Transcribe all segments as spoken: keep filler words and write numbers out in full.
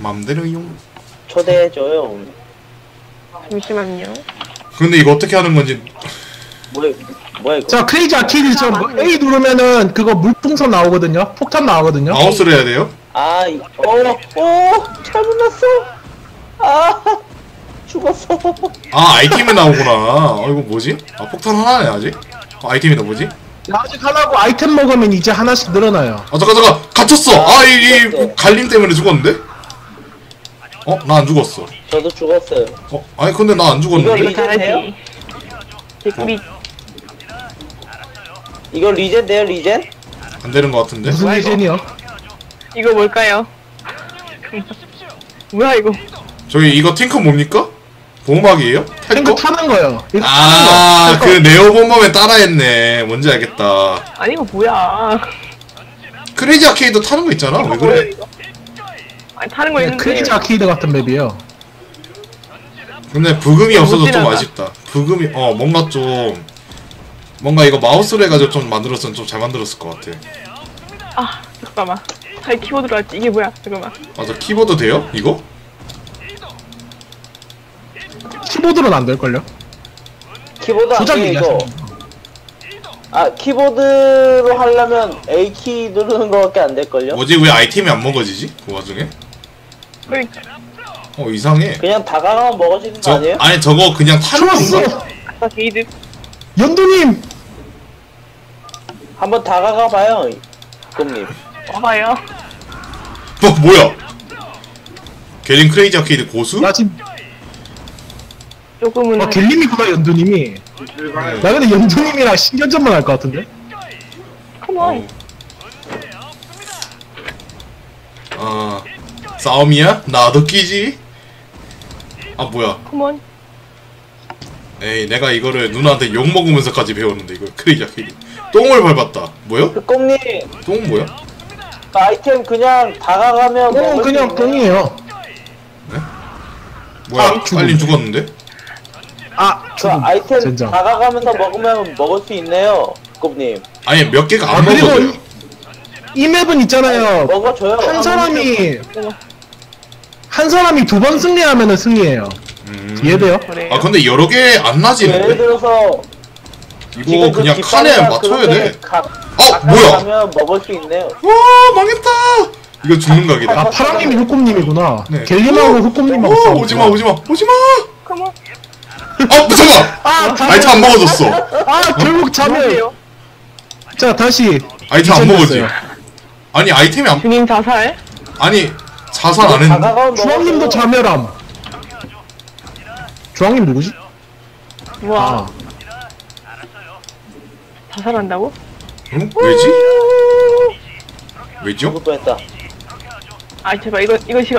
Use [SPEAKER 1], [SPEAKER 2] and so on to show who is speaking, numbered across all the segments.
[SPEAKER 1] 맘대로용.
[SPEAKER 2] 초대해줘요.
[SPEAKER 3] 잠시만요.
[SPEAKER 1] 근데 이거 어떻게 하는 건지.
[SPEAKER 2] 뭐야, 뭐야 이거?
[SPEAKER 4] 자 크레이지 아케이드처럼 A 누르면은 그거 물풍선 나오거든요. 폭탄 나오거든요.
[SPEAKER 1] 마우스로 해야 돼요?
[SPEAKER 2] 아, 이, 어, 어, 잘못 났어. 아, 죽었어.
[SPEAKER 1] 아 아이템이 나오구나. 어 이거 뭐지? 아 폭탄 하나네 아직? 어, 아이템이 나 뭐지?
[SPEAKER 4] 아직 하나고 아이템 먹으면 이제 하나씩 늘어나요.
[SPEAKER 1] 아 잠깐 잠깐 갇혔어.
[SPEAKER 2] 아,
[SPEAKER 1] 아이 이,
[SPEAKER 2] 죽었어.
[SPEAKER 1] 갈림 때문에 죽었는데? 어? 나 안 죽었어.
[SPEAKER 2] 저도 죽었어요.
[SPEAKER 1] 어? 아니 근데 나 안
[SPEAKER 2] 이거
[SPEAKER 1] 죽었는데?
[SPEAKER 2] 리젠 돼요?
[SPEAKER 3] 잘하지. 개꿀이
[SPEAKER 2] 이거 리젠 돼요, 리젠?
[SPEAKER 1] 안 되는 것 같은데?
[SPEAKER 4] 무슨
[SPEAKER 3] 뭐야, 이거?
[SPEAKER 4] 예전이요?
[SPEAKER 3] 이거 뭘까요? 뭐야 이거?
[SPEAKER 1] 저기 이거 탱크 뭡니까? 보호막이에요? 탈
[SPEAKER 4] 탱크
[SPEAKER 1] 거?
[SPEAKER 4] 타는 거요. 이거
[SPEAKER 1] 아,
[SPEAKER 4] 타는
[SPEAKER 1] 그 네오본범에 따라했네. 뭔지 알겠다.
[SPEAKER 3] 아니 이거 뭐야?
[SPEAKER 1] 크레이지 아케이드 타는 거 있잖아. 왜 그래?
[SPEAKER 3] 아니 타는 거
[SPEAKER 4] 거.
[SPEAKER 3] 있는데.
[SPEAKER 4] 크레이지 아케이드 같은 맵이에요.
[SPEAKER 1] 근데 부금이 없어서 좀
[SPEAKER 3] 지나가.
[SPEAKER 1] 아쉽다. 부금이 어 뭔가 좀 뭔가 이거 마우스로 해가지고 좀 만들었으면 좀 잘 만들었을 것 같아.
[SPEAKER 3] 아 잠깐만. 잘 키보드로 할지 이게 뭐야? 잠깐만.
[SPEAKER 1] 맞아 키보드 돼요? 이거?
[SPEAKER 4] 키보드로는 안 될걸요?
[SPEAKER 2] 키보드 안
[SPEAKER 4] 조작
[SPEAKER 2] 돼, 이거.
[SPEAKER 4] 얘기하시는 거.
[SPEAKER 2] 아, 키보드로 하려면 A 키 누르는 거밖에 안 될걸요?
[SPEAKER 1] 뭐지 왜 아이템이 안 먹어지지? 그 와중에?
[SPEAKER 3] 그러니까.
[SPEAKER 1] 어 이상해.
[SPEAKER 2] 그냥 다가가면 먹어지는 거
[SPEAKER 1] 저
[SPEAKER 2] 아니에요?
[SPEAKER 1] 아니 저거 그냥 타는
[SPEAKER 4] 좋았어.
[SPEAKER 1] 건가?
[SPEAKER 3] 아까 게이드.
[SPEAKER 4] 연두님.
[SPEAKER 2] 한번 다가가봐요, 꿈님.
[SPEAKER 3] 와봐요.
[SPEAKER 1] 어 뭐야? 게린 크레이지 아케이드 고수?
[SPEAKER 4] 나 지금
[SPEAKER 3] 조금은.
[SPEAKER 4] 아 갤림이구나 연두님이. 나 근데 연두님이랑 신경전만 할 것 같은데?
[SPEAKER 3] 컴온.
[SPEAKER 1] 아 싸움이야? 나도 끼지? 아 뭐야?
[SPEAKER 3] 컴온.
[SPEAKER 1] 에이 내가 이거를 누나한테 욕 먹으면서까지 배웠는데 이거 크레이지 아케이드 똥을 밟았다. 뭐요?
[SPEAKER 2] 그 꿈님,
[SPEAKER 1] 똥 뭐야?
[SPEAKER 2] 그 아이템 그냥 다가가면
[SPEAKER 4] 어
[SPEAKER 2] 먹을
[SPEAKER 4] 그냥
[SPEAKER 2] 수 있네.
[SPEAKER 4] 똥이에요.
[SPEAKER 1] 뭐야?
[SPEAKER 4] 아, 죽음.
[SPEAKER 1] 빨리 죽었는데?
[SPEAKER 4] 아
[SPEAKER 2] 그
[SPEAKER 4] 죽음.
[SPEAKER 2] 아이템
[SPEAKER 4] 젠장.
[SPEAKER 2] 다가가면서 먹으면 먹을 수 있네요, 꿈님.
[SPEAKER 1] 아니 몇 개가
[SPEAKER 4] 아
[SPEAKER 1] 안
[SPEAKER 4] 그리고
[SPEAKER 1] 먹어져요.
[SPEAKER 4] 이, 이 맵은 있잖아요.
[SPEAKER 2] 먹어줘요.
[SPEAKER 4] 한 사람이 한 사람이 두 번 승리하면은 승리해요.
[SPEAKER 1] 음.
[SPEAKER 4] 이해돼요?
[SPEAKER 3] 그래요?
[SPEAKER 1] 아 근데 여러 개 안
[SPEAKER 2] 예를
[SPEAKER 1] 나지는데?
[SPEAKER 2] 들어서
[SPEAKER 1] 이거
[SPEAKER 2] 지금 그
[SPEAKER 1] 그냥 칸에
[SPEAKER 2] 깃발이나
[SPEAKER 1] 맞춰야
[SPEAKER 2] 그런
[SPEAKER 1] 돼.
[SPEAKER 2] 데 가,
[SPEAKER 1] 어 뭐야?
[SPEAKER 2] 가면 먹을 수 있네요.
[SPEAKER 1] 와 망했다. 이거 죽는 각이다.
[SPEAKER 4] 아 파랑님이 흑곰님이구나.
[SPEAKER 1] 네.
[SPEAKER 4] 갤림하고 흑곰님하고
[SPEAKER 1] 오,
[SPEAKER 4] 싸우고.
[SPEAKER 1] 오지마 오지마 오지마.
[SPEAKER 3] 컴온.
[SPEAKER 1] 어 잠깐.
[SPEAKER 4] 아, 다-
[SPEAKER 1] 아이템 안 먹어졌어.
[SPEAKER 4] 아 결국 자멸.
[SPEAKER 3] 뭐예요?
[SPEAKER 4] 자 다시.
[SPEAKER 1] 아이템 안 먹어지.
[SPEAKER 4] 미션
[SPEAKER 1] 아니 아이템이 안
[SPEAKER 3] 주님 자살.
[SPEAKER 1] 아니 자살 안 했는데.
[SPEAKER 2] 다가가면
[SPEAKER 4] 주황님도
[SPEAKER 2] 먹어줘요.
[SPEAKER 4] 자멸함. 주황님 누구지?
[SPEAKER 3] 우와.
[SPEAKER 4] 아
[SPEAKER 3] 자살한다고?
[SPEAKER 1] 응? 왜지? 왜죠?
[SPEAKER 2] 죽을 뻔했다.
[SPEAKER 3] 아 제발 이거 이거 싫어.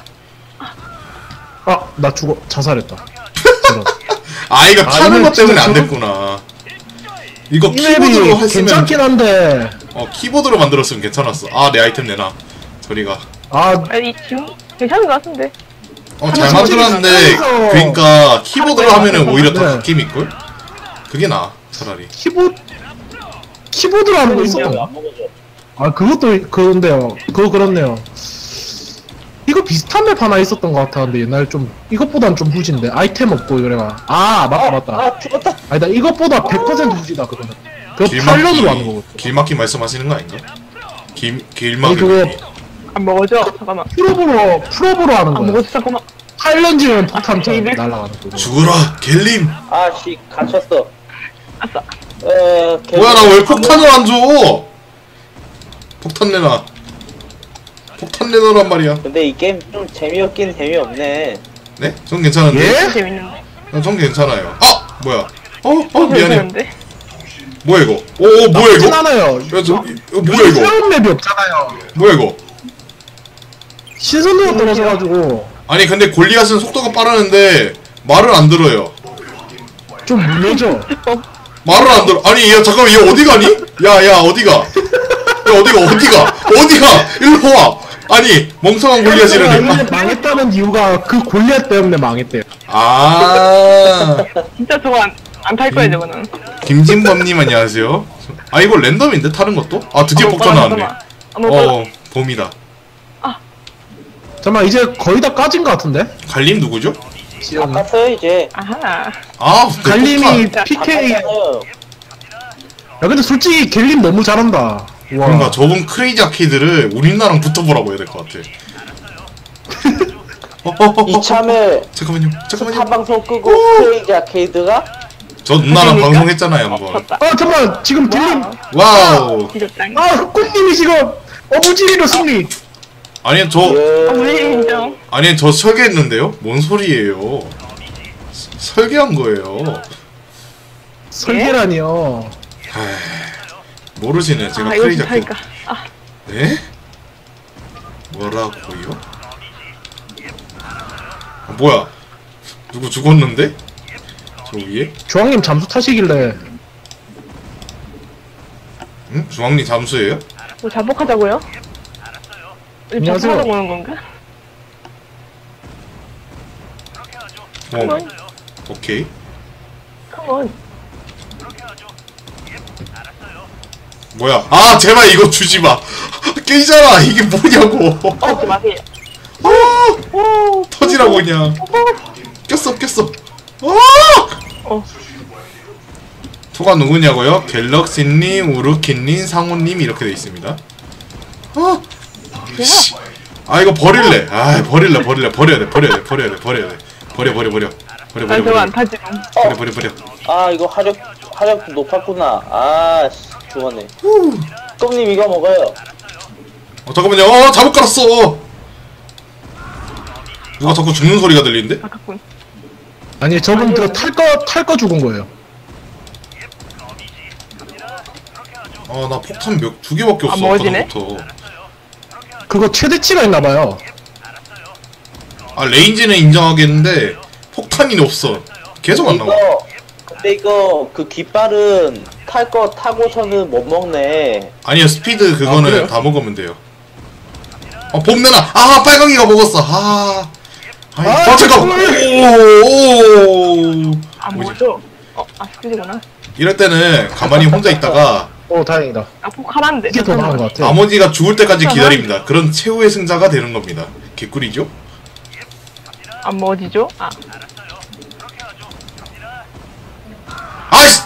[SPEAKER 4] 아, 나 죽어 자살했다. 저런.
[SPEAKER 1] 아 이거
[SPEAKER 4] 아,
[SPEAKER 1] 타는
[SPEAKER 4] 이거
[SPEAKER 1] 것 때문에
[SPEAKER 4] 진짜
[SPEAKER 1] 안
[SPEAKER 4] 저런-
[SPEAKER 1] 됐구나. 이거
[SPEAKER 4] 이
[SPEAKER 1] 키보드로
[SPEAKER 4] 맵이
[SPEAKER 1] 했으면
[SPEAKER 4] 괜찮긴 한데.
[SPEAKER 1] 어 키보드로 만들었으면 괜찮았어. 아 내 아이템 내놔. 저리가.
[SPEAKER 4] 아
[SPEAKER 3] 아니 지금 괜찮은 것 같은데.
[SPEAKER 1] 어 잘
[SPEAKER 4] 하나
[SPEAKER 1] 만들었는데
[SPEAKER 4] 솔직히
[SPEAKER 1] 그러니까 키보드로
[SPEAKER 3] 하나
[SPEAKER 1] 하면은 오히려 더
[SPEAKER 4] 네.
[SPEAKER 1] 느낌 있걸? 그게 나아 차라리.
[SPEAKER 4] 키보 키보드로 하는 거
[SPEAKER 3] 인정.
[SPEAKER 4] 있었나?
[SPEAKER 2] 안 먹어줘.
[SPEAKER 4] 아 그것도 그런데요. 그거 그렇네요. 이거 비슷한 맵 하나 있었던 것 같았는데 옛날 좀 이것보단 좀 후진데 아이템 없고 그래가. 아 맞다 맞다.
[SPEAKER 2] 아, 죽었다.
[SPEAKER 4] 아니다 이것보다 백 퍼센트 후지다 그거는. 그거
[SPEAKER 1] 길막기
[SPEAKER 4] 팔년으로 하는 거거든.
[SPEAKER 1] 길막기 말씀하시는 거 아닌가? 길
[SPEAKER 4] 아니
[SPEAKER 1] 길막이.
[SPEAKER 4] 그거
[SPEAKER 3] 안 먹어져. 잠깐만.
[SPEAKER 4] 프로브로 프로브로 하는
[SPEAKER 3] 안
[SPEAKER 4] 거야.
[SPEAKER 3] 먹어져. 잠깐만.
[SPEAKER 4] 팔 년 지면 폭탄 잘
[SPEAKER 3] 이백.
[SPEAKER 4] 날아가는 거.
[SPEAKER 1] 죽어라 갤림.
[SPEAKER 2] 아씨, 갇혔어.
[SPEAKER 3] 아싸.
[SPEAKER 2] 에,
[SPEAKER 1] 뭐야 나 왜 폭탄을 안 줘? 폭탄 내놔. 폭탄 내놔란 말이야.
[SPEAKER 2] 근데 이 게임 좀 재미없긴 재미없네.
[SPEAKER 1] 네? 전 괜찮은데.
[SPEAKER 4] 예?
[SPEAKER 3] 재밌는데.
[SPEAKER 1] 아, 전 괜찮아요. 아 뭐야? 어? 어 미안해.
[SPEAKER 3] 괜찮은데?
[SPEAKER 1] 뭐야 이거? 오, 오 뭐야
[SPEAKER 4] 나쁘진
[SPEAKER 1] 이거?
[SPEAKER 4] 않아요.
[SPEAKER 1] 야, 저, 이거 뭐야 이거?
[SPEAKER 4] 새로운 맵이 없잖아요.
[SPEAKER 1] 뭐야 이거?
[SPEAKER 4] 신선도가 떨어져가지고
[SPEAKER 1] 아니 근데 골리앗은 속도가 빠르는데 말을 안 들어요.
[SPEAKER 4] 좀 물려져.
[SPEAKER 1] 말을 안 들어. 아니 야 잠깐만 얘 어디 가니? 야야 어디가? 야 어디가 어디가 어디가? 일로 와. 아니 멍청한 골리앗이라네.
[SPEAKER 4] 근데 망했다는 이유가 그 골리앗 때문에 망했대요.
[SPEAKER 1] 아
[SPEAKER 3] 진짜 저거 안 안 탈 거야 저거는.
[SPEAKER 1] 김진범님 안녕하세요. 아 이거 랜덤인데 타는 것도? 아 드디어
[SPEAKER 3] 아,
[SPEAKER 1] 폭탄
[SPEAKER 3] 잠깐만,
[SPEAKER 1] 나왔네.
[SPEAKER 3] 잠깐만. 아, 뭐,
[SPEAKER 1] 어 봄이다.
[SPEAKER 4] 잠깐만 이제 거의 다 까진 것 같은데?
[SPEAKER 1] 갈림 누구죠?
[SPEAKER 4] 지영이.
[SPEAKER 2] 바꿨어요 이제.
[SPEAKER 3] 아하.
[SPEAKER 1] 아
[SPEAKER 4] 갈림이
[SPEAKER 1] 네,
[SPEAKER 4] 피케이. 야
[SPEAKER 2] 바꿨어요.
[SPEAKER 4] 근데 솔직히 갤림 너무 잘한다. 와.
[SPEAKER 1] 뭔가 저분 크레이지 아케이드를 우리나라랑 붙어보라고 해야 될 것 같아. 어, 어, 어, 어,
[SPEAKER 2] 이참에
[SPEAKER 1] 잠깐만요 잠깐만요.
[SPEAKER 2] 타방송 끄고 크레이지 아케이드가
[SPEAKER 1] 저 누나랑
[SPEAKER 3] 그러니까?
[SPEAKER 1] 방송했잖아요 한번.
[SPEAKER 3] 엎었다.
[SPEAKER 4] 아 잠깐만 지금 딜림.
[SPEAKER 1] 와우.
[SPEAKER 3] 뒤졌당.
[SPEAKER 4] 아 흑군님이 지금 어부지리로 승리.
[SPEAKER 1] 아니 저
[SPEAKER 3] 어, 우리
[SPEAKER 2] 예.
[SPEAKER 3] 인정.
[SPEAKER 1] 아니 저 설계했는데요? 뭔 소리예요? 서- 설계한 거예요.
[SPEAKER 4] 설계라니요.
[SPEAKER 1] 에이, 모르시네 제가
[SPEAKER 3] 아, 이거
[SPEAKER 1] 크레이지
[SPEAKER 3] 좀
[SPEAKER 1] 아케이드.
[SPEAKER 3] 할까. 아,
[SPEAKER 1] 네? 뭐라고요? 아, 뭐야? 누구 죽었는데? 저 위에?
[SPEAKER 4] 주황님 잠수 타시길래
[SPEAKER 1] 응? 중앙리 잠수예요?
[SPEAKER 3] 뭐 자복하자고요? 우리
[SPEAKER 4] 안녕하세요.
[SPEAKER 3] 자복하자고 오는 건가?
[SPEAKER 1] 어,
[SPEAKER 3] 컴온,
[SPEAKER 1] 오케이.
[SPEAKER 3] 컴온.
[SPEAKER 1] 뭐야? 아 제발 이거 주지 마. 깨지잖아. 이게 뭐냐고.
[SPEAKER 3] 하지 마세요.
[SPEAKER 1] 아, 터지라고 그냥. 꼈어 꼈어. 아!
[SPEAKER 3] 어,
[SPEAKER 1] 토가 누구냐고요? 갤럭시님, 우르키님, 상호님 이렇게 돼 있습니다. 아, 씨. 아 이거 버릴래. 아 버릴래 버릴래 버려야 돼 버려야 돼 버려야 돼 버려야 돼 버려 버려 버려 버려
[SPEAKER 3] 나
[SPEAKER 1] 버려
[SPEAKER 3] 저거 안
[SPEAKER 1] 버려
[SPEAKER 3] 타지.
[SPEAKER 1] 버려 버려 버려.
[SPEAKER 2] 아 이거 화력 화력 높았구나. 아 씨, 죽었네. 똥님 이거 먹어요.
[SPEAKER 1] 어 잠깐만요. 어 잘못 깔았어. 누가 자꾸 죽는 소리가 들리는데?
[SPEAKER 3] 아깝군.
[SPEAKER 4] 아니 저분 그탈거 탈 거 죽은 거예요.
[SPEAKER 1] 아 나 폭탄 몇 두 개밖에
[SPEAKER 3] 아,
[SPEAKER 1] 없어.
[SPEAKER 3] 먹어지네?
[SPEAKER 1] 아까부터.
[SPEAKER 4] 그거 최대치가 있나봐요.
[SPEAKER 1] 아 레인지는 인정하겠는데 폭탄이 없어. 계속 안 나와.
[SPEAKER 2] 이거 근데 이거 그 깃발은 탈 거 타고서는 못 먹네.
[SPEAKER 1] 아니요 스피드 그거는
[SPEAKER 4] 아, 그래요?
[SPEAKER 1] 다 먹으면 돼요. 어 봄내나. 아 빨강이가 먹었어. 아. 아이,
[SPEAKER 4] 아,
[SPEAKER 1] 아 잠깐.
[SPEAKER 4] 정말.
[SPEAKER 1] 오오오.
[SPEAKER 3] 안
[SPEAKER 1] 뭐지?
[SPEAKER 3] 먹어줘. 어, 아, 스피드구나.
[SPEAKER 1] 이럴 때는 가만히 혼자 있다가
[SPEAKER 4] 오 다행이다.
[SPEAKER 3] 아, 폭 하나인데.
[SPEAKER 4] 이게 더 나은 것 같아.
[SPEAKER 1] 나머지가 죽을 때까지 기다립니다. 그런 최후의 승자가 되는 겁니다. 개꿀이죠?
[SPEAKER 3] 안 먹어지죠? 아,
[SPEAKER 1] 아이씨!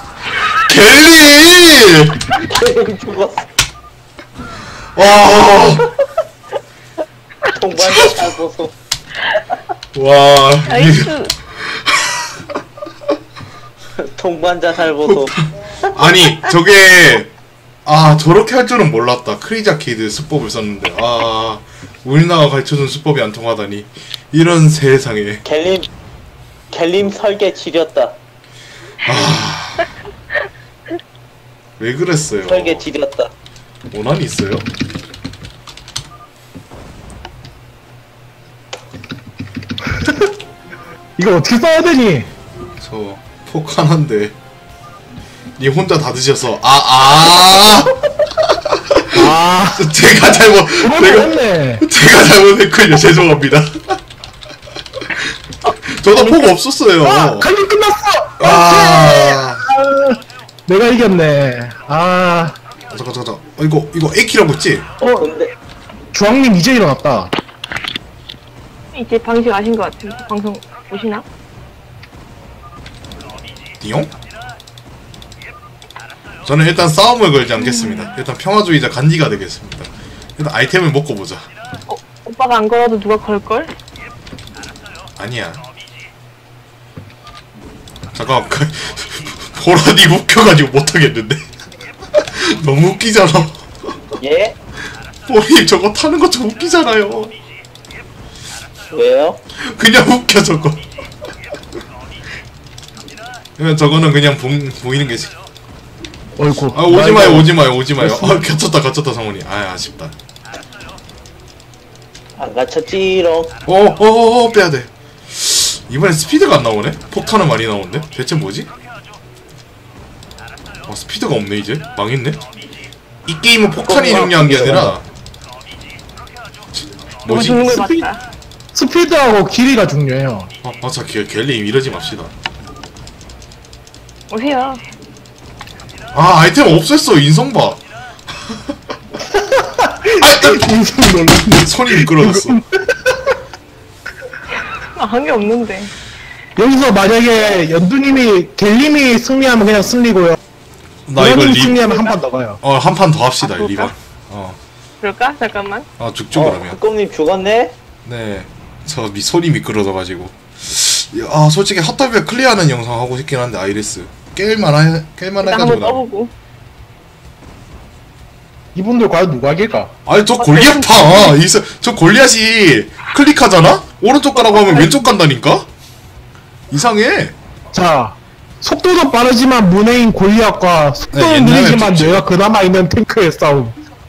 [SPEAKER 1] 갤리!
[SPEAKER 2] 죽었어.
[SPEAKER 1] 와,
[SPEAKER 2] 동반자 잘 보소.
[SPEAKER 1] 와, 이,
[SPEAKER 3] 나이스.
[SPEAKER 2] 동반자 잘 보소.
[SPEAKER 1] 아니, 저게, 아, 저렇게 할 줄은 몰랐다. 크레이지 아케이드 수법을 썼는데, 아, 우리나라가 가르쳐준 수법이 안 통하다니. 이런 세상에.
[SPEAKER 2] 갤림 갤림 설계 지렸다.
[SPEAKER 1] 왜 그랬어요?
[SPEAKER 2] 설계 지렸다.
[SPEAKER 1] 원한이 있어요?
[SPEAKER 4] 이거 어떻게 써야 되니?
[SPEAKER 1] 저, 폭 하나인데. 니 혼자 다 드셔서, 아, 아!
[SPEAKER 4] 아
[SPEAKER 1] 제가 잘못,
[SPEAKER 4] 그건
[SPEAKER 1] 제가,
[SPEAKER 4] 했네.
[SPEAKER 1] 제가 잘못했군요. 죄송합니다. 저도 폭 없었어요.
[SPEAKER 4] 아 갈림 끝났어.
[SPEAKER 1] 아,
[SPEAKER 4] 내가 이겼네. 아
[SPEAKER 1] 잠깐, 잠깐, 잠깐. 어, 이거, 이거 에이키라고 했지?
[SPEAKER 2] 어 근데
[SPEAKER 4] 주황님 이제 일어났다.
[SPEAKER 3] 이제 방식 아신 것 같은데. 방송 보시나?
[SPEAKER 1] 띠용? 저는 일단 싸움을 걸지 않겠습니다. 일단 평화주의자 간디가 되겠습니다. 일단 아이템을 먹고 보자.
[SPEAKER 3] 어, 오빠가 안 걸어도 누가 걸걸?
[SPEAKER 1] 아니야. 잠깐, 그, 보라니 웃겨가지고 못하겠는데? 너무 웃기잖아.
[SPEAKER 2] 예?
[SPEAKER 1] 보리 저거 타는 거 좀 웃기잖아요.
[SPEAKER 2] 왜요?
[SPEAKER 1] 그냥 웃겨 저거. 그냥 저거는 그냥 보, 보이는 게지.
[SPEAKER 4] 어이구.
[SPEAKER 1] 아 오지 마요 오지 마요 오지 마요. 아 겹쳤다 겹쳤다 성훈이. 아 아쉽다.
[SPEAKER 2] 안 갇혔지롱.
[SPEAKER 1] 어어어 빼야 돼. 이번엔 스피드가 안 나오네. 폭탄은 많이 나오는데. 대체 뭐지? 아 스피드가 없네 이제. 망했네. 이 게임은 폭탄이 중요한 게 아니라
[SPEAKER 3] 누가
[SPEAKER 1] 뭐지?
[SPEAKER 3] 죽는 걸
[SPEAKER 4] 스피-
[SPEAKER 3] 봤다.
[SPEAKER 4] 스피드하고 길이가 중요해요.
[SPEAKER 1] 아 맞아 갤- 갤림 이러지 맙시다.
[SPEAKER 3] 오세요.
[SPEAKER 1] 아 아이템 없앴어 인성 봐. 아
[SPEAKER 4] 인생 놀랐네.
[SPEAKER 1] 손이 미끄러졌어.
[SPEAKER 3] 아, 한 게 없는데.
[SPEAKER 4] 여기서 만약에 연두님이 갤님이 승리하면 그냥 승리고요.
[SPEAKER 1] 나 이거
[SPEAKER 4] 연두님
[SPEAKER 1] 리,
[SPEAKER 4] 승리하면 한 판 더 가요.
[SPEAKER 1] 어, 한 판 더 합시다,
[SPEAKER 3] 아, 그럴까?
[SPEAKER 1] 리방. 어,
[SPEAKER 3] 그럴까? 잠깐만.
[SPEAKER 1] 아, 죽죠,
[SPEAKER 2] 어,
[SPEAKER 1] 그러면.
[SPEAKER 2] 흑곰님 죽었네?
[SPEAKER 1] 네. 저 미, 손이 미끄러져가지고. 아, 솔직히 핫더비에 클리어하는 영상 하고 싶긴 한데, 아이리스. 깰만하, 깰만해가지고.
[SPEAKER 3] 일단 한번
[SPEAKER 1] 나.
[SPEAKER 3] 떠보고.
[SPEAKER 4] 이분들 과연 누가 이길까?
[SPEAKER 1] 아니, 저 골리앗 봐! 이, 사- 저 골리앗이 클릭하잖아? 오른쪽 가라고 하면 왼쪽 간다니까? 이상해.
[SPEAKER 4] 자, 속도도 빠르지만 문해인 골리앗과
[SPEAKER 1] 네,
[SPEAKER 4] 속도는
[SPEAKER 1] 옛날에
[SPEAKER 4] 느리지만
[SPEAKER 1] 좋지.
[SPEAKER 4] 뇌가 그나마 있는 탱크의 싸움.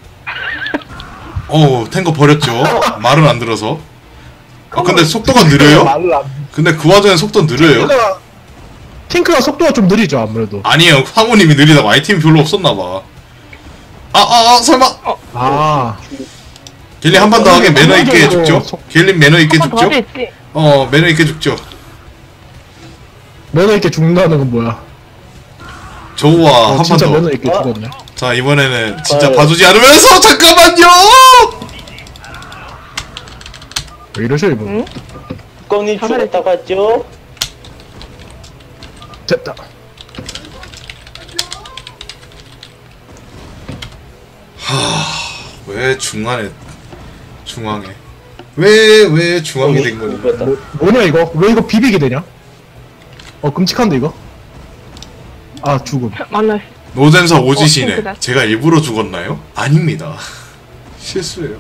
[SPEAKER 1] 어우, 탱커 버렸죠. 말은 안 들어서. 아, 근데 속도가 느려요?
[SPEAKER 4] 말을 안.
[SPEAKER 1] 근데 그 와중에 속도 느려요?
[SPEAKER 4] 탱크가, 탱크가 속도가 좀 느리죠 아무래도.
[SPEAKER 1] 아니에요. 황우님이 느리다고 아이템이 별로 없었나봐. 아, 아, 아, 설마.
[SPEAKER 4] 아,
[SPEAKER 1] 길리 한 판 더 하게 매너 있게
[SPEAKER 4] 속-
[SPEAKER 1] 죽죠? 길리 매너 있게
[SPEAKER 3] 한 번 더
[SPEAKER 1] 죽죠?
[SPEAKER 3] 하겠지.
[SPEAKER 1] 어, 매너 있게 죽죠.
[SPEAKER 4] 매너 있게 죽는다는 건 뭐야?
[SPEAKER 1] 좋아,
[SPEAKER 4] 어,
[SPEAKER 1] 한 판
[SPEAKER 4] 진짜 매너
[SPEAKER 1] 더.
[SPEAKER 4] 있게
[SPEAKER 2] 어?
[SPEAKER 4] 죽었네.
[SPEAKER 1] 자, 이번에는 진짜
[SPEAKER 2] 어.
[SPEAKER 1] 봐주지 않으면서 잠깐만요!
[SPEAKER 4] 왜 이러셔 이분?
[SPEAKER 3] 응?
[SPEAKER 2] 흑곰님
[SPEAKER 3] 자살했지.
[SPEAKER 2] 죽었다 갔죠?
[SPEAKER 4] 됐다.
[SPEAKER 1] 왜 중간에, 중앙에. 왜, 왜 중앙이 된 거니?
[SPEAKER 2] 죽었다.
[SPEAKER 4] 뭐, 뭐냐 이거? 왜 이거 비비게 되냐? 어 끔찍한데 이거? 아 죽음.
[SPEAKER 3] 만났어.
[SPEAKER 1] 노잼사 오지시네.
[SPEAKER 3] 탱크다.
[SPEAKER 1] 제가 일부러 죽었나요? 아닙니다. 실수예요.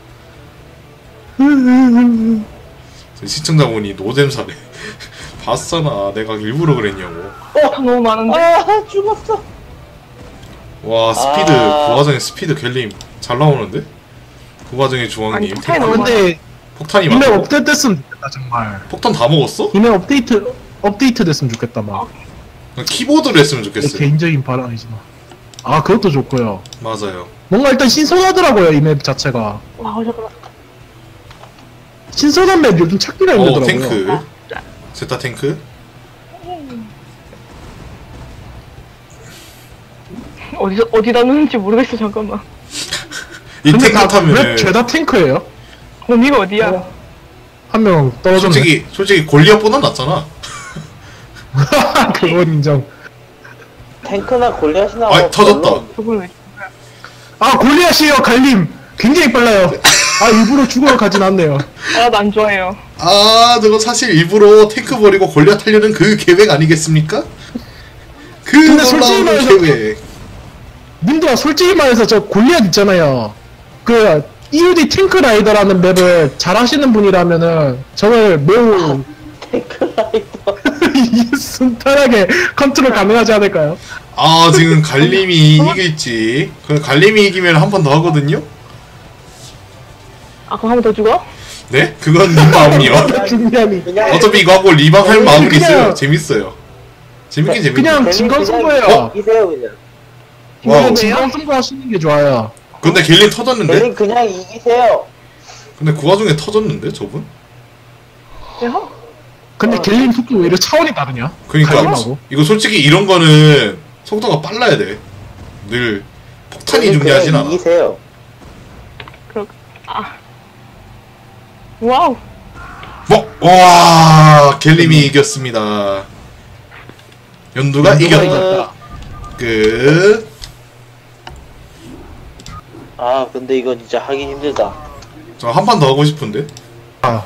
[SPEAKER 1] 시청자분이 노잼사래. 봤잖아. 내가 일부러 그랬냐고.
[SPEAKER 3] 아, 너무 많은데?
[SPEAKER 2] 아, 죽었어.
[SPEAKER 1] 와, 스피드.
[SPEAKER 2] 아.
[SPEAKER 1] 그 와중에 스피드 갤림 잘 나오는데? 그 와중에 중앙님.
[SPEAKER 3] 아니, 폭탄이 너무
[SPEAKER 4] 근데
[SPEAKER 1] 폭탄이
[SPEAKER 4] 이메
[SPEAKER 1] 많아.
[SPEAKER 4] 업데이트 됐으면 좋겠다 정말.
[SPEAKER 1] 폭탄 다 먹었어?
[SPEAKER 4] 이메 업데이트 업데이트 됐으면 좋겠다 막.
[SPEAKER 1] 키보드로 했으면
[SPEAKER 4] 내
[SPEAKER 1] 좋겠어요.
[SPEAKER 4] 개인적인 바람이지만. 아 그것도 좋고요.
[SPEAKER 1] 맞아요.
[SPEAKER 4] 뭔가 일단 신선하더라고요 이 맵 자체가.
[SPEAKER 3] 와, 잠깐만.
[SPEAKER 4] 신선한 맵 요즘 찾기가
[SPEAKER 1] 어,
[SPEAKER 4] 힘들더라고요.
[SPEAKER 1] 탱크. 제타 탱크.
[SPEAKER 3] 어디서, 어디다 놓는지 모르겠어, 잠깐만.
[SPEAKER 1] 이
[SPEAKER 4] 근데
[SPEAKER 1] 탱크
[SPEAKER 4] 다
[SPEAKER 1] 타면은
[SPEAKER 4] 맵 죄다 탱크예요.
[SPEAKER 3] 범위가 어디야?
[SPEAKER 4] 한 명 떨어졌네.
[SPEAKER 1] 솔직히 솔직히 골리앗보다 낫잖아.
[SPEAKER 4] 그건 인정.
[SPEAKER 2] 탱크나 골리앗이나
[SPEAKER 1] 아,
[SPEAKER 2] 뭐
[SPEAKER 1] 터졌다.
[SPEAKER 2] 별로
[SPEAKER 3] 저걸 왜.
[SPEAKER 4] 아 골리앗이요 갈림. 굉장히 빨라요. 아 일부러 죽으러 가진 않네요.
[SPEAKER 3] 아, 나 안 좋아해요.
[SPEAKER 1] 아, 저거 사실 일부러 탱크 버리고 골리앗 하려는 그 계획 아니겠습니까? 그
[SPEAKER 4] 근데 솔직히
[SPEAKER 1] 놀라운
[SPEAKER 4] 말해서
[SPEAKER 1] 계획.
[SPEAKER 4] 님들아 솔직히 말해서 저 골리앗 있잖아요. 그 이유디 탱크 라이더라는 맵을 잘 하시는 분이라면은 저걸 매우
[SPEAKER 2] 탱크 라이더.
[SPEAKER 4] 이게 순탄하게 컨트롤 가능하지 않을까요?
[SPEAKER 1] 아, 지금 갈림이 이길지. 그 갈림이 이기면 한 번 더 하거든요.
[SPEAKER 3] 아, 그럼 한 번 더 죽어?
[SPEAKER 1] 네? 그건 님 마음이요.
[SPEAKER 4] 중량이
[SPEAKER 2] 그냥
[SPEAKER 1] 어차피 이거 하고 리방 할 마음은
[SPEAKER 4] 그냥-
[SPEAKER 1] 있어요. 재밌어요. 재밌긴 재밌긴.
[SPEAKER 4] 그냥
[SPEAKER 2] 갤림
[SPEAKER 4] 진검
[SPEAKER 2] 그냥
[SPEAKER 4] 승부예요.
[SPEAKER 2] 이기세요 그냥.
[SPEAKER 1] 와우.
[SPEAKER 4] 그냥 진검 승부 하시는 게 좋아요.
[SPEAKER 1] 근데 갤림 터졌는데?
[SPEAKER 2] 갤림 그냥 이기세요.
[SPEAKER 1] 근데 그 와중에 터졌는데 저분?
[SPEAKER 3] 내가?
[SPEAKER 4] 근데
[SPEAKER 2] 어.
[SPEAKER 4] 갤림 속도 왜 이렇게 차원이 다르냐?
[SPEAKER 1] 그러니까
[SPEAKER 4] 갈림하고.
[SPEAKER 1] 이거 솔직히 이런 거는 속도가 빨라야 돼. 늘 폭탄이
[SPEAKER 2] 갤림
[SPEAKER 1] 중요하진
[SPEAKER 2] 그냥
[SPEAKER 1] 않아.
[SPEAKER 2] 이기세요.
[SPEAKER 3] 그렇, 아. 와우.
[SPEAKER 1] 뭐? 와, 갤림이 이겼습니다. 연두가
[SPEAKER 4] 연두가
[SPEAKER 1] 이겼다.
[SPEAKER 4] 이겼다.
[SPEAKER 1] 끝.
[SPEAKER 2] 아 근데 이거 진짜 하기 힘들다.
[SPEAKER 1] 저 한 판 더 하고 싶은데.
[SPEAKER 4] 아.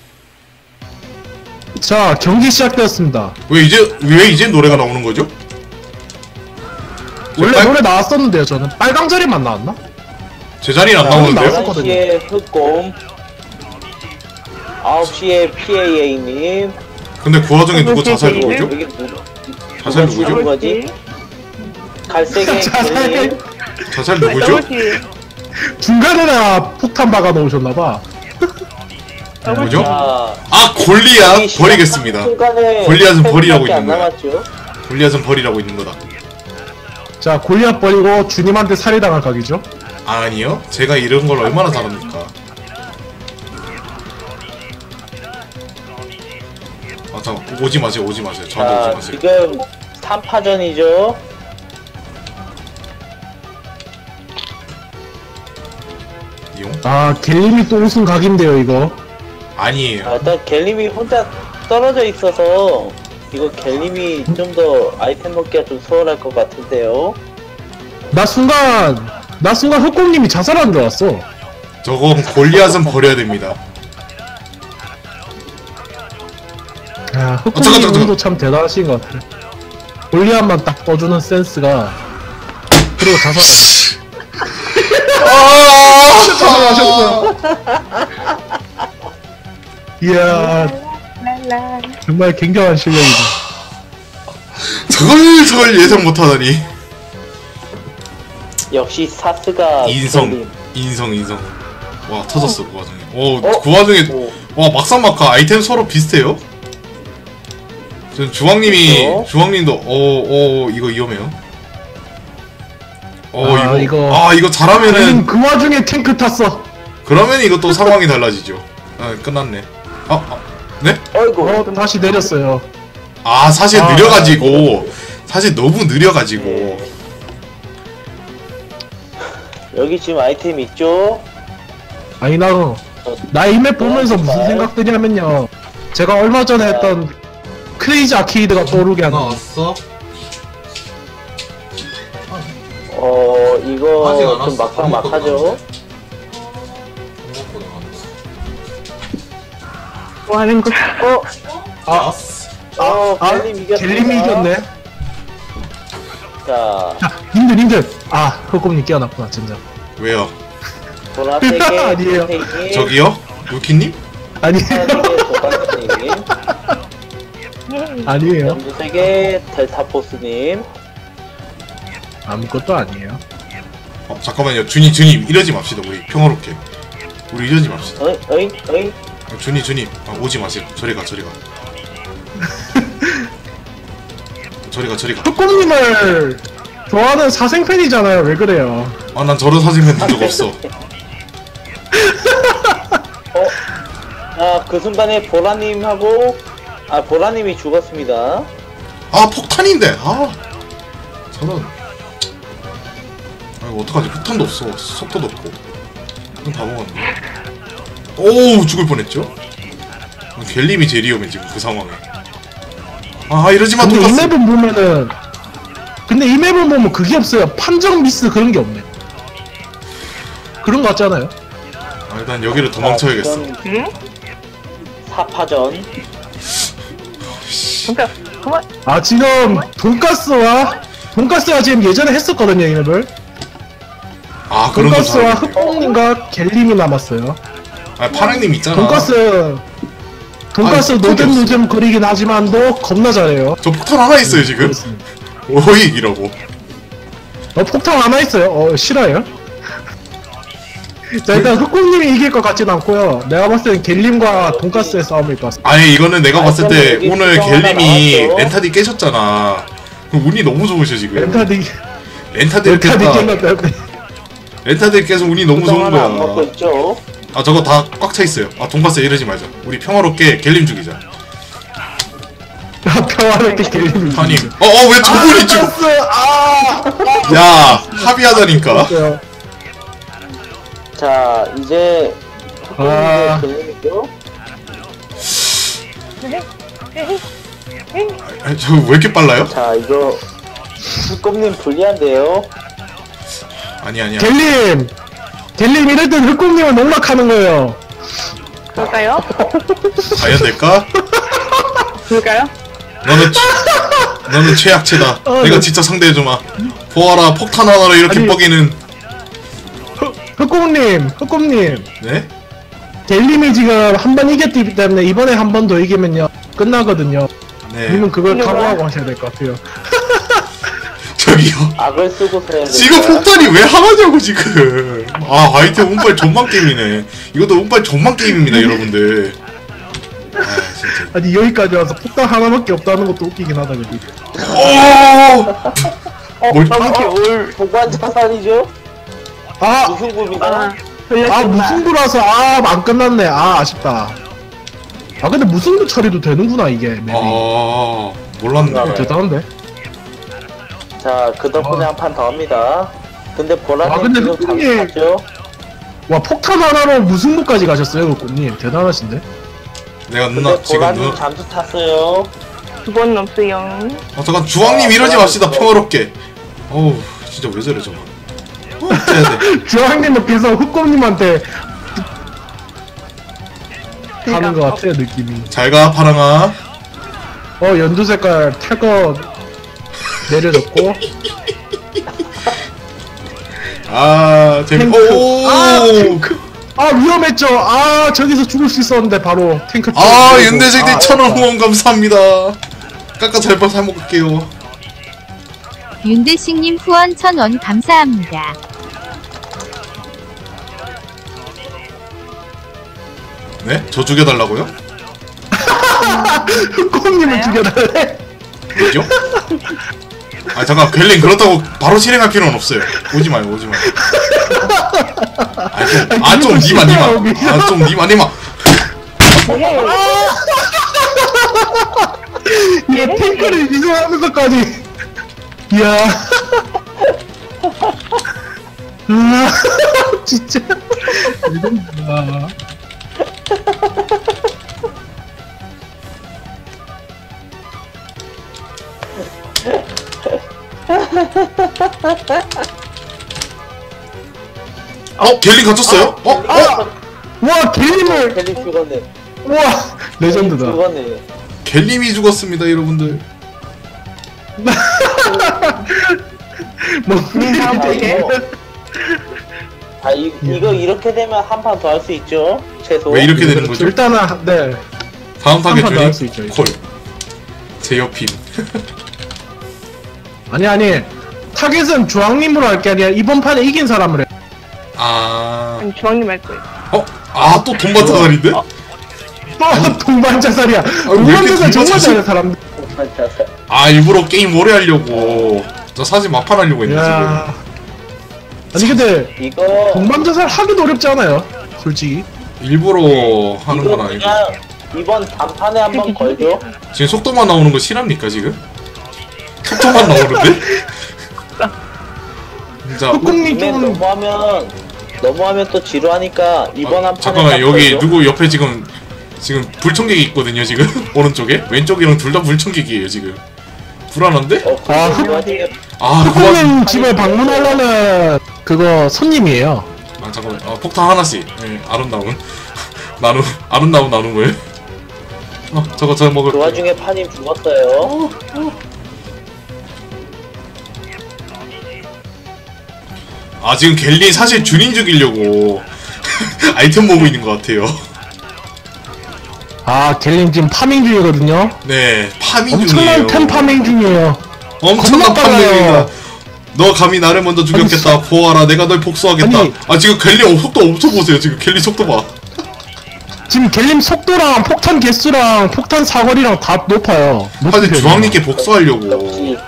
[SPEAKER 4] 자 경기 시작되었습니다.
[SPEAKER 1] 왜 이제 왜 이제 노래가 나오는 거죠?
[SPEAKER 4] 원래
[SPEAKER 1] 빨-
[SPEAKER 4] 노래 나왔었는데요 저는 빨강자리만 나왔나?
[SPEAKER 1] 제 자리는 안
[SPEAKER 4] 아,
[SPEAKER 1] 나오는데요?
[SPEAKER 4] 나왔어.
[SPEAKER 2] 열한 시에 흑곰, 아홉 시에 피에이에이님.
[SPEAKER 1] 근데 그 와중에 누구 자살
[SPEAKER 3] 네.
[SPEAKER 1] 누구죠?
[SPEAKER 2] 여기 누구?
[SPEAKER 1] 자살
[SPEAKER 2] 누가
[SPEAKER 1] 누구죠?
[SPEAKER 2] 죽은 거지? 갈색의
[SPEAKER 4] 자살.
[SPEAKER 2] 갤림.
[SPEAKER 1] 자살 누구죠?
[SPEAKER 3] 더블킬.
[SPEAKER 4] 중간에나 폭탄 박아 놓으셨나봐.
[SPEAKER 1] 누구죠?
[SPEAKER 2] 자,
[SPEAKER 1] 아, 골리앗 버리겠습니다. 골리앗은 버리라고 있는 거야.
[SPEAKER 2] 남았죠?
[SPEAKER 1] 골리앗은 버리라고 있는 거다.
[SPEAKER 4] 자 골리앗 버리고 주님한테 살해당할 각이죠.
[SPEAKER 1] 아니요. 제가 이런 걸 얼마나 잘합니까? 아, 잠깐 오지 마세요. 오지 마세요. 저한테
[SPEAKER 2] 자,
[SPEAKER 1] 오지 마세요.
[SPEAKER 2] 지금 삼 파전이죠.
[SPEAKER 1] 이용?
[SPEAKER 4] 아 갤림이 또 우승 각인데요 이거.
[SPEAKER 1] 아니에요.
[SPEAKER 2] 아, 일단 갤림이 혼자 떨어져 있어서 이거 갤림이 좀 더 아이템 먹기가 좀 수월할 것 같은데요.
[SPEAKER 4] 나 순간 나 순간 흑공님이 자살한 줄 알았어.
[SPEAKER 1] 저건 골리앗은 버려야 됩니다.
[SPEAKER 4] 야,
[SPEAKER 1] 어, 잠깐,
[SPEAKER 4] 흑공님
[SPEAKER 1] 잠깐,
[SPEAKER 4] 운도 참 대단하신 것 같아. 골리앗만 딱 떠주는 센스가. 그리고 자살. 자살하셨어. 이야,
[SPEAKER 3] 랄라.
[SPEAKER 4] 정말 굉장한 실력이다.
[SPEAKER 1] 저걸 저걸 예상 못하다니.
[SPEAKER 2] 역시 사스가
[SPEAKER 1] 인성,
[SPEAKER 2] 갤림.
[SPEAKER 1] 인성, 인성. 와 터졌어 그 와중에. 오,
[SPEAKER 2] 어?
[SPEAKER 1] 그 와중에
[SPEAKER 2] 오.
[SPEAKER 1] 와 막상 막하 아이템 서로 비슷해요. 전 주황님이
[SPEAKER 2] 그렇죠.
[SPEAKER 1] 주황님도 어어 이거 위험해요. 어
[SPEAKER 4] 아,
[SPEAKER 1] 이거,
[SPEAKER 4] 이거-
[SPEAKER 1] 아 이거 잘하면은
[SPEAKER 4] 갤림 그 와중에 탱크 탔어.
[SPEAKER 1] 그러면 이것도 상황이 달라지죠. 아 끝났네. 아, 아 네?
[SPEAKER 2] 어이구.
[SPEAKER 4] 어, 다시 내렸어요.
[SPEAKER 1] 아 사실
[SPEAKER 4] 아,
[SPEAKER 1] 느려가지고 사실 너무 느려가지고
[SPEAKER 2] 여기 지금 아이템 있죠?
[SPEAKER 4] 아니, 나, 나 이 맵 보면서 무슨 생각드냐면요. 제가 얼마 전에 했던 크레이지 아케이드가 떠오르게 하는.
[SPEAKER 1] 왔어?
[SPEAKER 2] 어
[SPEAKER 1] 아직 안
[SPEAKER 2] 이거
[SPEAKER 1] 왔어.
[SPEAKER 2] 좀 막상
[SPEAKER 1] 아무것도
[SPEAKER 2] 막하죠.
[SPEAKER 3] 뭐 하는 거야?
[SPEAKER 2] 어?
[SPEAKER 1] 아,
[SPEAKER 2] 어
[SPEAKER 4] 아,
[SPEAKER 2] 갤림 이겼습니다.
[SPEAKER 4] 갤림이 이겼네.
[SPEAKER 2] 자
[SPEAKER 4] 자, 님들, 님들. 아, 흑곰님 깨어났구나, 진짜.
[SPEAKER 1] 왜요?
[SPEAKER 2] 보라색의
[SPEAKER 4] 아니에요.
[SPEAKER 2] 선생님,
[SPEAKER 1] 저기요? 루키님?
[SPEAKER 4] 아니,
[SPEAKER 2] 파란색의 도박스님,
[SPEAKER 4] 아니에요.
[SPEAKER 2] 연두색의 델타포스님.
[SPEAKER 4] 아무것도 아니에요.
[SPEAKER 1] 어, 잠깐만요. 준이, 준이 이러지 맙시다. 우리 평화롭게. 우리 이러지 맙시다.
[SPEAKER 2] 어이 어이 어이.
[SPEAKER 1] 아, 준이, 준이 아, 오지 마세요. 저리 가, 저리 가. 저리 가, 저리 가.
[SPEAKER 4] 흑곰님을 좋아하는 사생팬이잖아요. 왜 그래요?
[SPEAKER 1] 아, 난 저런 사진만 본 적 없어.
[SPEAKER 2] 어? 아그 순간에 보라님하고 아 보라님이 죽었습니다.
[SPEAKER 1] 아, 폭탄인데. 아, 저런. 아, 이거 어떡하지? 폭탄도 없어. 속도도 없고. 그럼 다 먹었네. 오우, 죽을 뻔했죠? 갤림이 제일 위험해, 지금 그 상황에. 아, 이러지 마,
[SPEAKER 4] 근데 이
[SPEAKER 1] 돈가스.
[SPEAKER 4] 맵은 보면은 근데 이 맵은 보면 그게 없어요. 판정 미스 그런 게 없네. 그런 거 같잖아요.
[SPEAKER 1] 아, 일단 여기를 도망쳐야겠어.
[SPEAKER 2] 자, 지금
[SPEAKER 3] 응?
[SPEAKER 2] 사파전.
[SPEAKER 3] 그러니까 그만.
[SPEAKER 4] 아, 지금 돈가스와 돈가스가 지금 예전에 했었거든요, 이 맵을.
[SPEAKER 1] 아, 그런 거
[SPEAKER 4] 돈가스와
[SPEAKER 1] 잘하겠네.
[SPEAKER 4] 흑곰님과 갤림이 남았어요.
[SPEAKER 1] 아, 파랑님 있잖아.
[SPEAKER 4] 돈가스 돈가스
[SPEAKER 1] 아니,
[SPEAKER 4] 노잼
[SPEAKER 1] 없어.
[SPEAKER 4] 노잼 거리긴 하지만도 겁나 잘해요.
[SPEAKER 1] 저 폭탄 하나 있어요, 지금.
[SPEAKER 4] 그렇습니다.
[SPEAKER 1] 오이, 이라고.
[SPEAKER 4] 어, 폭탄 하나 있어요. 어, 싫어요? 자, 일단 흑곰님이 이길 것 같진 않고요. 내가 봤을 땐 갤림과 돈가스의 싸움일 것 같습니다.
[SPEAKER 1] 아니, 이거는 내가 봤을 때
[SPEAKER 2] 여기
[SPEAKER 1] 오늘
[SPEAKER 2] 수정 하나
[SPEAKER 1] 갤림이
[SPEAKER 2] 나왔죠.
[SPEAKER 1] 렌타디 깨셨잖아. 그럼 운이 너무 좋으셔, 지금.
[SPEAKER 4] 렌타디
[SPEAKER 1] 렌타디
[SPEAKER 4] 렌타디
[SPEAKER 1] 깼다.
[SPEAKER 4] 깼나
[SPEAKER 1] 렌타디 깨서 운이 너무
[SPEAKER 2] 수정
[SPEAKER 1] 좋은
[SPEAKER 2] 하나 안 먹고
[SPEAKER 1] 거야.
[SPEAKER 2] 있죠.
[SPEAKER 1] 아, 저거 다 꽉 차 있어요. 아, 돈가스 이러지 말자. 우리 평화롭게 갤림 죽이자.
[SPEAKER 4] 평화롭게 갤림이
[SPEAKER 1] 아니, 어, 어, 왜 저분이 죽어?
[SPEAKER 4] 돈가스! 아!
[SPEAKER 1] 야, 합의하자니까.
[SPEAKER 4] 아!
[SPEAKER 2] 자 이제
[SPEAKER 4] 아.
[SPEAKER 2] 갤림이죠.
[SPEAKER 1] 아, 저 왜 이렇게 빨라요?
[SPEAKER 2] 자 이거 흑곰님 불리한데요.
[SPEAKER 1] 아니, 아니야.
[SPEAKER 4] 갤림! 갤림 이럴 땐 흑곰님을 농락하는 거예요.
[SPEAKER 3] 그럴까요?
[SPEAKER 1] 과연 될까?
[SPEAKER 3] 그럴까요?
[SPEAKER 1] 너는 최, 너는 최약체다.
[SPEAKER 4] 어,
[SPEAKER 1] 내가
[SPEAKER 4] 네.
[SPEAKER 1] 진짜 상대해주마. 보아라, 폭탄 하나로 이렇게
[SPEAKER 4] 아니.
[SPEAKER 1] 뻐기는.
[SPEAKER 4] 흑곰님, 흑곰님.
[SPEAKER 1] 네?
[SPEAKER 4] 갤림이 지금 한 번 이겼기 때문에 이번에 한 번 더 이기면요. 끝나거든요.
[SPEAKER 1] 네.
[SPEAKER 4] 님은 그걸
[SPEAKER 3] 이거
[SPEAKER 4] 각오하고
[SPEAKER 3] 뭐야?
[SPEAKER 4] 하셔야 될 것 같아요.
[SPEAKER 1] 저기요.
[SPEAKER 2] 악을 쓰고 써야 돼.
[SPEAKER 1] 지금 폭탄이 왜 하나냐고, 지금. 아, 아이템 운빨 존망 게임이네. 이것도 운빨 존망 게임입니다, 여러분들. 아, 진짜.
[SPEAKER 4] 아니 여기까지 와서 폭탄 하나밖에 없다는 것도 웃기긴 하다 그지.
[SPEAKER 1] 오! 뭘,
[SPEAKER 2] 이렇게 올 보관 자산이죠?
[SPEAKER 4] 아,
[SPEAKER 2] 무슨 굽이다.
[SPEAKER 3] 아,
[SPEAKER 4] 아
[SPEAKER 3] 돌렸구나.
[SPEAKER 4] 무승부라서 아 안 끝났네. 아 아쉽다. 아 근데 무승부 처리도 되는구나 이게 맵이.
[SPEAKER 1] 아, 몰랐네.
[SPEAKER 2] 아,
[SPEAKER 4] 대단한데.
[SPEAKER 2] 자, 그 덕분에
[SPEAKER 4] 아.
[SPEAKER 2] 한 판 더 합니다. 근데
[SPEAKER 4] 아,
[SPEAKER 2] 보라님
[SPEAKER 4] 근데
[SPEAKER 2] 지금
[SPEAKER 4] 흑곰님-
[SPEAKER 2] 잠수하죠?
[SPEAKER 4] 와 폭탄 하나로 무승부까지 가셨어요, 흑곰님. 대단하신데.
[SPEAKER 1] 내가 누나
[SPEAKER 2] 근데
[SPEAKER 1] 지금
[SPEAKER 2] 보라님
[SPEAKER 1] 누나
[SPEAKER 2] 잠수 탔어요.
[SPEAKER 3] 두 번은 없어요.
[SPEAKER 1] 어 잠깐 주황님 이러지 맙시다 평화롭게. 어우 진짜 왜 저래 저거. 어, 어째야 돼.
[SPEAKER 4] 주황님은 계속 흑곰님한테 하는 것
[SPEAKER 3] 그러니까.
[SPEAKER 4] 같아요 느낌이.
[SPEAKER 1] 잘가 파랑아.
[SPEAKER 4] 어 연두 색깔 탈 거 내려졌고.
[SPEAKER 1] 아 재밌.
[SPEAKER 4] 탱크.
[SPEAKER 1] 오.
[SPEAKER 4] 아 탱크. 아 위험했죠. 아 저기서 죽을 수 있었는데 바로 탱크.
[SPEAKER 1] 아
[SPEAKER 4] 쪽으로.
[SPEAKER 1] 윤대생님
[SPEAKER 4] 아,
[SPEAKER 1] 천원 후원 감사합니다. 깎아 잘봐 사 먹을게요.
[SPEAKER 5] 윤대식님 후원 천 원 감사합니다.
[SPEAKER 1] 네? 저 죽여달라고요?
[SPEAKER 4] 흑곰님을 죽여달래.
[SPEAKER 1] 뭐죠? 아 잠깐 갤린 그렇다고 바로 실행할 필요는 없어요. 오지 마요 오지 마요. 아좀 니마 니마. 아좀 니마 니마.
[SPEAKER 4] 얘 탱크를 이동하면서까지. 이야. 아 진짜. 이건가.
[SPEAKER 1] 어 갤린 갇혔어요? 어? 어?
[SPEAKER 4] 와 갤림을.
[SPEAKER 2] 갤리 죽었네.
[SPEAKER 4] 와 레전드다.
[SPEAKER 2] 죽었네.
[SPEAKER 1] 갤림이 죽었습니다 여러분들.
[SPEAKER 4] 뭐
[SPEAKER 3] 다음
[SPEAKER 2] 아,
[SPEAKER 3] 주에.
[SPEAKER 2] 이거, 아 이, 이거 이렇게 되면 한 판 더 할 수 있죠. 최소.
[SPEAKER 1] 왜 이렇게 되는 거죠?
[SPEAKER 4] 일단은 네.
[SPEAKER 1] 다음 타겟
[SPEAKER 4] 한판더 할 수
[SPEAKER 1] 주인
[SPEAKER 4] 있죠,
[SPEAKER 1] 콜. 제 옆임.
[SPEAKER 4] 아니 아니 타겟은 주황님으로 할 게 아니라 이번 판에 이긴 사람을 해.
[SPEAKER 1] 아.
[SPEAKER 3] 아니 주황님 할 거예요.
[SPEAKER 1] 어? 아 또 돈받자살인데?
[SPEAKER 4] 또 동반 자살이야. 동반
[SPEAKER 1] 이렇게
[SPEAKER 4] 자살 정말
[SPEAKER 1] 동반
[SPEAKER 4] 잘해 사람들.
[SPEAKER 1] 아 일부러 게임 오래 하려고. 저 사실 막판 하려고 했네 지금.
[SPEAKER 4] 야. 아니 근데
[SPEAKER 2] 이거
[SPEAKER 4] 동반 자살 하기도 어렵지 않아요? 솔직히.
[SPEAKER 1] 일부러 하는
[SPEAKER 2] 이거
[SPEAKER 1] 건 아니고.
[SPEAKER 2] 그냥 이번 단판에 한번 걸죠.
[SPEAKER 1] 지금 속도만 나오는 거 실합니까 지금? 속도만 나오는데? 진짜.
[SPEAKER 4] 흑공님
[SPEAKER 2] 근데
[SPEAKER 4] 좀
[SPEAKER 2] 너무하면 너무하면 또 지루하니까 이번
[SPEAKER 1] 아,
[SPEAKER 2] 한 판에
[SPEAKER 1] 잠깐만
[SPEAKER 2] 딱
[SPEAKER 1] 여기
[SPEAKER 2] 걸죠.
[SPEAKER 1] 누구 옆에 지금 지금 불청객이 있거든요 지금 오른쪽에 왼쪽이랑 둘 다 불청객이에요 지금. 불안한데?
[SPEAKER 2] 어,
[SPEAKER 4] 아,
[SPEAKER 2] 아,
[SPEAKER 4] 흑-
[SPEAKER 2] 그 와중에
[SPEAKER 1] 아 그만.
[SPEAKER 4] 흑공님 집에 방문하려는 그거 손님이에요.
[SPEAKER 1] 아 잠깐만. 아 폭탄 하나씩. 예 아름다운 나누 아름다운 나눈 거예요. 어 저거 저거 먹을.
[SPEAKER 2] 그 와중에 파님 죽었어요.
[SPEAKER 1] 아 지금 갤린 사실 준인 죽이려고 아이템 모으고 있는 것 같아요.
[SPEAKER 4] 아 갤림 지금 파밍 중이거든요.
[SPEAKER 1] 네 파밍 중이에요.
[SPEAKER 4] 엄청난 템 파밍 중이에요.
[SPEAKER 1] 엄청난
[SPEAKER 4] 겁나 빨라요.
[SPEAKER 1] 파밍이다. 너 감히 나를 먼저 죽였겠다.
[SPEAKER 4] 아니,
[SPEAKER 1] 보아라 내가 널 복수하겠다.
[SPEAKER 4] 아니.
[SPEAKER 1] 아 지금 갤린 속도 엄청 보세요. 지금 갤린 속도 봐.
[SPEAKER 4] 지금 갤림 속도랑 폭탄 개수랑 폭탄 사거리랑 다 높아요. 높은
[SPEAKER 1] 사실
[SPEAKER 4] 편이에요.
[SPEAKER 1] 주황님께 복수하려고.
[SPEAKER 2] 역시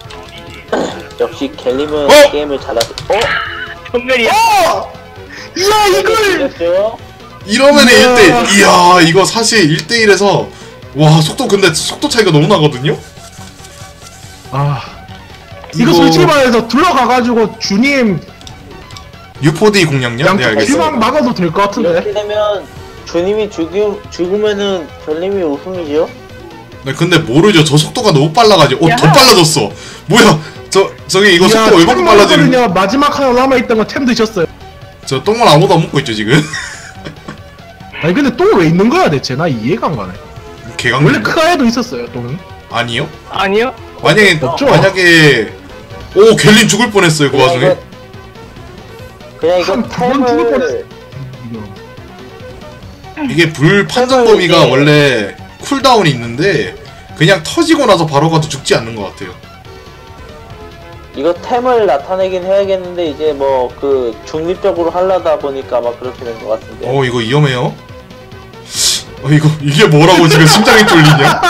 [SPEAKER 2] 역시 갤림은
[SPEAKER 1] 어?
[SPEAKER 2] 게임을 잘하죠. 어?
[SPEAKER 3] 전멸이야.
[SPEAKER 4] 이야 이걸
[SPEAKER 2] 죽였죠?
[SPEAKER 1] 이러면
[SPEAKER 4] 이야.
[SPEAKER 1] 일 대 일. 이야 이거 사실 일 대 일에서 와 속도 근데 속도 차이가 너무 나거든요.
[SPEAKER 4] 아 이거
[SPEAKER 1] 이거-
[SPEAKER 4] 솔직히 말해서 둘러가가지고 주님
[SPEAKER 1] 유포디 공략력? 네
[SPEAKER 4] 양쪽
[SPEAKER 1] 알겠습니다.
[SPEAKER 4] 귀망 막아도 될 것 같은데.
[SPEAKER 2] 이렇게 되면 주님이 죽이, 죽으면은 갤림이 우승이죠?
[SPEAKER 1] 네, 근데 모르죠. 저 속도가 너무 빨라가지고. 어,
[SPEAKER 3] 야.
[SPEAKER 1] 더 빨라졌어. 뭐야? 저 저기 이거 속도 얼마나
[SPEAKER 4] 템
[SPEAKER 1] 빨라지는?
[SPEAKER 4] 먹었거든요. 마지막 하나 남아있던 거 템 드셨어요.
[SPEAKER 1] 저 똥을 아무도 안 먹고 있죠 지금.
[SPEAKER 4] 아니 근데 똥 왜 있는 거야 대체? 나 이해가 안 가네.
[SPEAKER 1] 개강.
[SPEAKER 4] 원래 크가에도 있었어요 똥이.
[SPEAKER 1] 아니요?
[SPEAKER 3] 아니요.
[SPEAKER 1] 만약에
[SPEAKER 4] 없죠?
[SPEAKER 1] 만약에 오 갤린 죽을 뻔했어요 그
[SPEAKER 2] 그냥
[SPEAKER 1] 와중에.
[SPEAKER 2] 이거- 그냥 이거
[SPEAKER 4] 한 두 번 죽을
[SPEAKER 2] 템을
[SPEAKER 1] 이게 불 판정 범위가
[SPEAKER 2] 이게-
[SPEAKER 1] 원래 쿨다운이 있는데 그냥 터지고 나서 바로 가도 죽지 않는 것 같아요.
[SPEAKER 2] 이거 템을 나타내긴 해야겠는데 이제 뭐 그 중립적으로 하려다 보니까 막 그렇게 된 것 같은데.
[SPEAKER 1] 어 이거 위험해요. 어 이거 이게 뭐라고 지금 심장이 뚫리냐?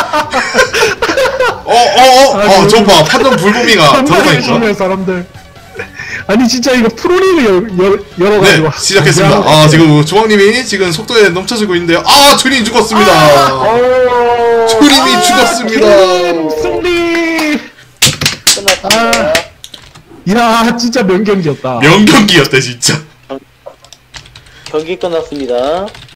[SPEAKER 1] 어어어 저 봐 판정 불범위가
[SPEAKER 4] 정말
[SPEAKER 1] 들어가니까.
[SPEAKER 4] 조심해 사람들. 아니 진짜 이거 프로리그 열, 열,
[SPEAKER 1] 네
[SPEAKER 4] 열어가지고
[SPEAKER 1] 시작했습니다. 아 지금 조왕님이 지금 속도에 넘쳐지고 있는데요. 아 준이 죽었습니다.
[SPEAKER 2] 어...
[SPEAKER 1] 준님이 죽었습니다.
[SPEAKER 4] 팀 승리.
[SPEAKER 2] 끝났습니다.
[SPEAKER 4] 야 진짜 명경기였다.
[SPEAKER 1] 명경기였다 진짜.
[SPEAKER 2] 경기 끝났습니다.